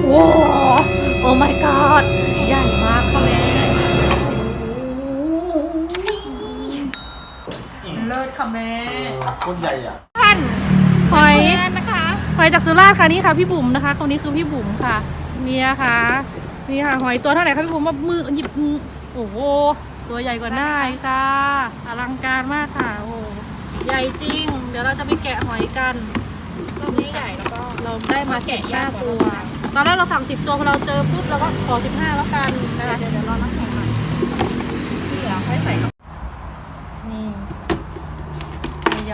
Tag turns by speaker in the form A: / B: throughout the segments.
A: โอ้โอ้ my god ใหญ่มากค่ะแม่เลิศค่ะแม่
B: คนใหญ่อ่ะ
A: ท่านหอย
C: นะคะ
A: หอยจากสุราษฎร์ค่ะนี่ค่ะพี่บุ๋มนะคะคนนี้คือพี่บุ๋มค่ะเนี่ยค่ะนี่ค่ะหอยตัวเท่าไหร่คะพี่บุ๋มว่ามือหยิบโอ้โหตัวใหญ่กว่าหน้าอีกค่ะอลังการมากค่ะโอ้ใหญ่จริง เดี๋ยวเราจะไปแกะหอยกัน
C: รอบนี้ใหญ่แล้วก็
A: เราได้มา15 ตัวตอนแรกเราสั่ง10 ตัวพอเราเจอปุ๊บเราก็ขอ15แล้วกันนะคะ
C: เดี๋ยวรอน้ำแข็งหน่อยที่เหลือค่อยใส่เข้า
A: นี่ใหญ่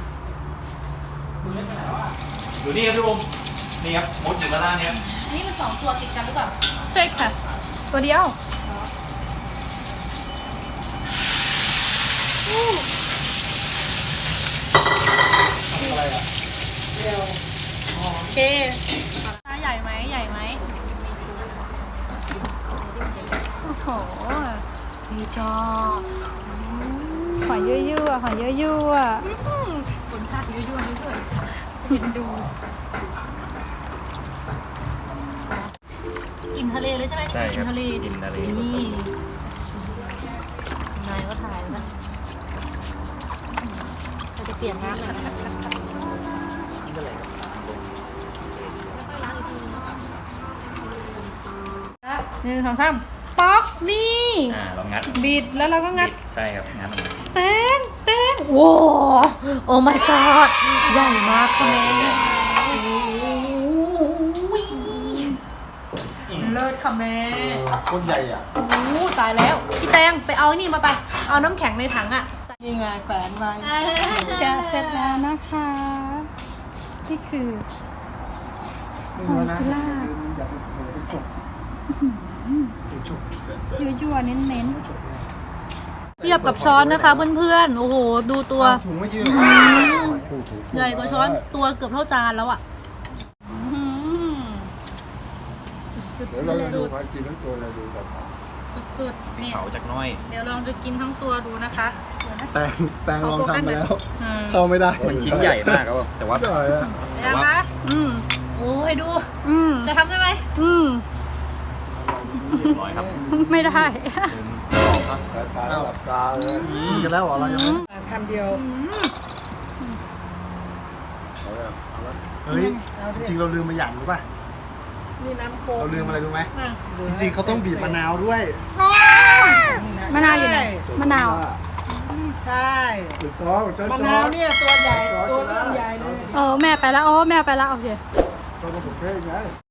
B: อยู่นี่ครับพี่บุ๋มนี่ครับมดอยู่ด้านล่างเนี่ย
A: อันนี้มัน2 ตัวติดกันหรือเปล่าใช่ค่ะตัวเดียวโอเคใหญ่ไหมใหญ่ไหมโอ้โหดีจอหอยยั่วๆหอยยั่วๆขนตายั่วๆนี่ด้วยเห็นดูกินทะเลเลยใช่ไหม
B: ใช่ครับ
A: กินทะเล
B: กินทะเล
A: นี่นายก็ถ่ายนะเราจะเปลี่ยนน้ำหน่อย1 2 3ป๊อกนี่
B: เรางัด
A: บิดแล้วเราก็งัด
B: ใช่ครับงัดออกมา
A: แตงโว้โอ้ my god ใหญ่มากค่ะแม่เลิศค่ะแม่
B: คนใหญ่อ่ะ
A: โอ้ตายแล้วพี่แตงไปเอานี่มาไป เอาน้ำแข็งในถังอ่ะ
C: นี่ไงแฝนไว้
A: แกะเสร็จแล้วนะคะ นี่คือหอยสุราษฎร์ยั่วๆเน้นๆเทียบกับช้อนนะคะเพื่อนๆ โอ้โห ดูตัว
D: ถุงไม่ยืด
A: ใหญ่กว่าช้อนตัวเกือบเท่าจานแล้วอ่ะสุด
D: เดี๋ยวเราจะดูพากินทั้งตัวเลยดูแบบ
A: ๆสุดๆนี่
B: เผาจากน้อย
A: เดี๋ยวลองจะกินทั้งตัวดูนะคะ
D: แตงลองทำไปแล้ว
A: อืม
D: เข้าไม่ได้
B: มันชิ้นใหญ่มากครับแต่ว่า
D: ใหญ่อะ
A: ยังคะโอ้ยดู จะทำได้ไหม
B: น้อยครับ
A: ไม่ได้
D: สายตาหลับตาเลยกินกันแล้วเหรอเรายังไม่
C: คำเดียว
D: เอาเลยเอาละเฮ้ยจริงๆเราลืมมาอย่างรู้ป่ะ
C: มีน้ำโค้
D: เรา
C: ก
D: ลืมอะไรรู้ไหมจริงๆเขาต้องบีบมะนาวด้วย
A: มะนาวอยู่ไหนมะนาว
C: ใช่
D: ถูกต้องช้อน
C: มะนาวเนี่ยตัวใหญ่ตัวเริ่มใหญ่เลย
A: แม่ไปแล้วแม่ไปแล้วโอเค
D: ตัวผมเพ่งไง